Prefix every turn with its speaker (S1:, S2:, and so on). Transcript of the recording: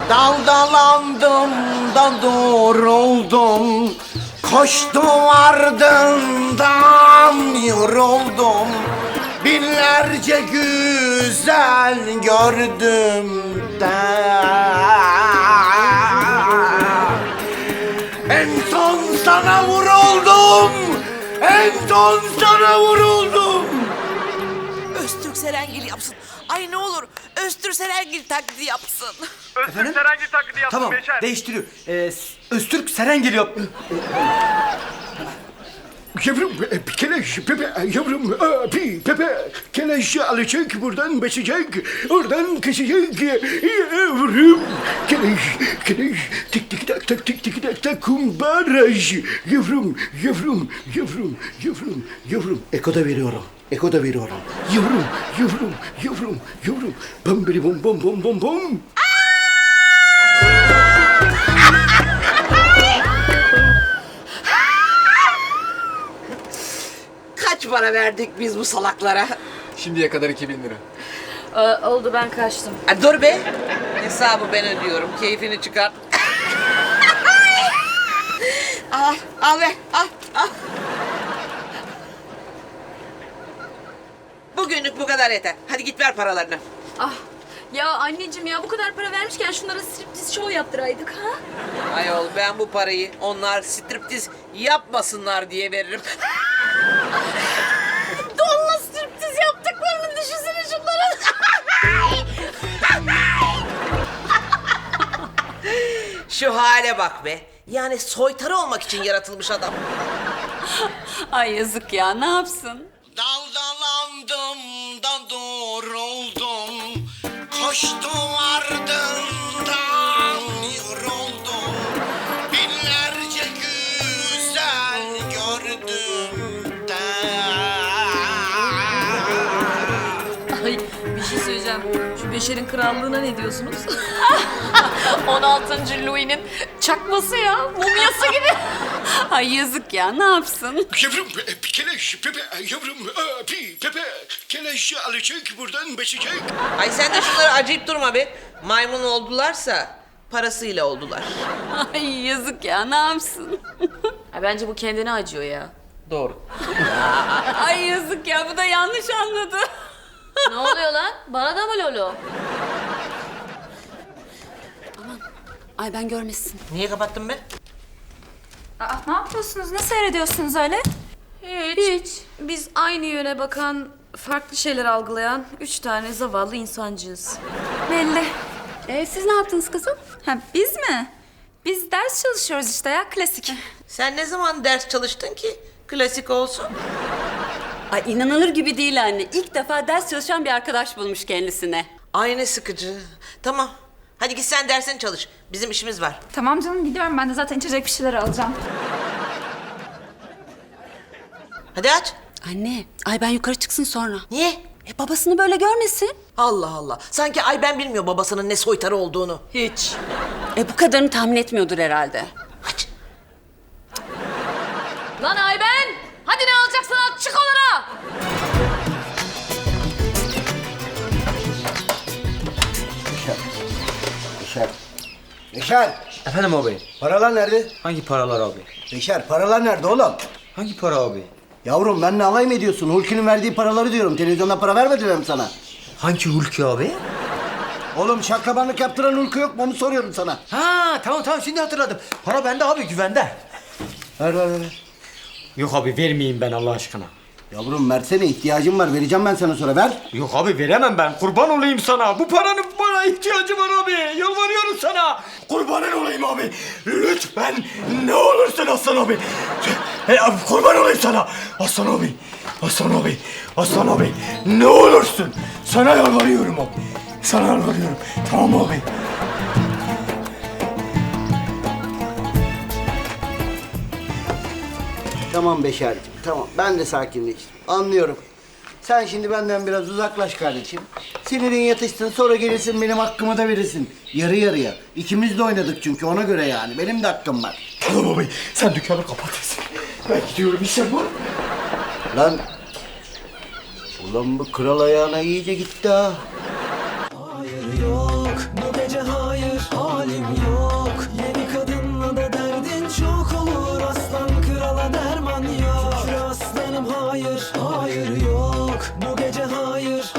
S1: Daldalandım da doğruldum, koştum ardından yoruldum. Binlerce güzel gördüm de en son sana vuruldum, en son sana vuruldum.
S2: Öztürk Serengil yapsın. Ay ne olur Öztürk Serengil taklidi yapsın.
S3: Öztürk Serengil taklidi yapsın
S4: Tamam,
S3: Beşer.
S4: değiştiriyor. Öztürk Serengil yap.
S5: Yavrum keleş Pepe yavrum Pepe keleş alacak buradan basacak oradan kesecek yavrum keleş tik tik tak tak tik tik tak tak kumbaraj yavrum Eko da veriyorum yavrum bam biri bom bom bom bom bom.
S2: Kaç para verdik biz bu salaklara?
S6: Şimdiye kadar 2000 lira.
S7: Oldu, ben kaçtım.
S2: Ha, dur be. Hesabı ben ödüyorum. Keyfini çıkar. al be. Al. Bugünlük bu kadar yeter. Hadi git ver paralarını.
S7: Ah, ya anneciğim ya, bu kadar para vermişken şunlara striptiz show yaptıraydık ha?
S2: Ayol ben bu parayı onlar striptiz yapmasınlar diye veririm.
S7: Donla striptiz yaptıklarını düşünsene şunların.
S2: Şu hale bak be. Yani soytarı olmak için yaratılmış adam.
S7: Ay yazık ya, ne yapsın?
S1: Daldalandım da doğruldum, koştum ardından yoruldum. Binlerce güzel gördüm de
S7: Ay bir şey söyleyeceğim. Şu Beşer'in krallığına ne diyorsunuz? 16. Louis'nin çakması ya, mumyası gibi. Ay yazık ya, ne yapsın?
S5: Yavrum keleş Pepe yavrum Pepe keleş alacak buradan basacak.
S2: Ay sen de şunları acıyıp durma be. Maymun oldularsa parasıyla oldular.
S7: Ay yazık ya, ne yapsın? Ay, bence bu kendine acıyor ya.
S2: Doğru.
S7: Ay yazık ya, bu da yanlış anladı. Ne oluyor lan? Bana da mı Lolo? Aman. Ay ben görmesin.
S2: Niye kapattın be?
S8: Aa, ne yapıyorsunuz? Ne seyrediyorsunuz öyle?
S7: Hiç. Biz aynı yöne bakan, farklı şeyler algılayan 3 tane zavallı insancığız.
S8: Belli.
S7: Siz ne yaptınız kızım?
S8: Ha, biz mi? Biz ders çalışıyoruz işte ya, klasik.
S2: Sen ne zaman ders çalıştın ki klasik olsun?
S9: Ay inanılır gibi değil anne. İlk defa ders çalışan bir arkadaş bulmuş kendisine.
S2: Ay ne sıkıcı. Tamam. Hadi git sen dersini çalış. Bizim işimiz var.
S8: Tamam canım, gidiyorum. Ben de zaten içecek bir şeyler alacağım.
S2: Hadi aç.
S9: Anne, ay ben yukarı çıksın sonra.
S2: Niye?
S9: Babasını böyle görmesin.
S2: Allah Allah. Sanki Ayben bilmiyor babasının ne soytarı olduğunu.
S9: Hiç. Bu kadarını tahmin etmiyordur herhalde.
S2: Aç.
S7: Lan Ayben! Hadi ne alacaksan al, çık onlara!
S1: Beşer,
S4: Efendim abi.
S1: paralar nerede?
S4: Hangi paralar abi?
S1: Beşer, paralar nerede oğlum?
S4: Hangi para abi?
S1: Yavrum benimle alay mı ediyorsun? Hulki'nin verdiği paraları diyorum. Televizyonda para vermediler mi sana?
S4: Hangi Hulki abi?
S1: Oğlum şaklabanlık yaptıran Hulki yok mu? Onu soruyorum sana.
S4: Ha tamam şimdi hatırladım. Para bende abi, güvende.
S1: Ver.
S4: Yok abi, vermeyeyim ben Allah aşkına.
S1: Yavrum versene, ihtiyacım var. Vereceğim ben sana sonra, ver.
S4: Yok abi, veremem ben. Kurban olayım sana. Bu paranın bana ihtiyacı var abi. Yalvarıyorum sana. Kurbanın olayım abi. Lütfen ne olursun Aslan abi. Abi kurban olayım sana. Aslan abi. Ne olursun. Sana yalvarıyorum abi. Sana yalvarıyorum. Tamam abi.
S1: Tamam Beşer'cim, tamam. Ben de sakinleştim. Anlıyorum. Sen şimdi benden biraz uzaklaş kardeşim. Sinirin yatışsın, sonra gelirsin benim hakkımı da verirsin. Yarı yarıya. İkimiz de oynadık çünkü, ona göre yani. Benim de hakkım var.
S4: Tamam abi. Sen dükkanı kapatırsın. Ben gidiyorum, işim var.
S1: Lan. Ulan bu kral ayağına iyice gitti ha.
S10: Hayır yok bu gece hayır hala hayır yok, bu gece hayır.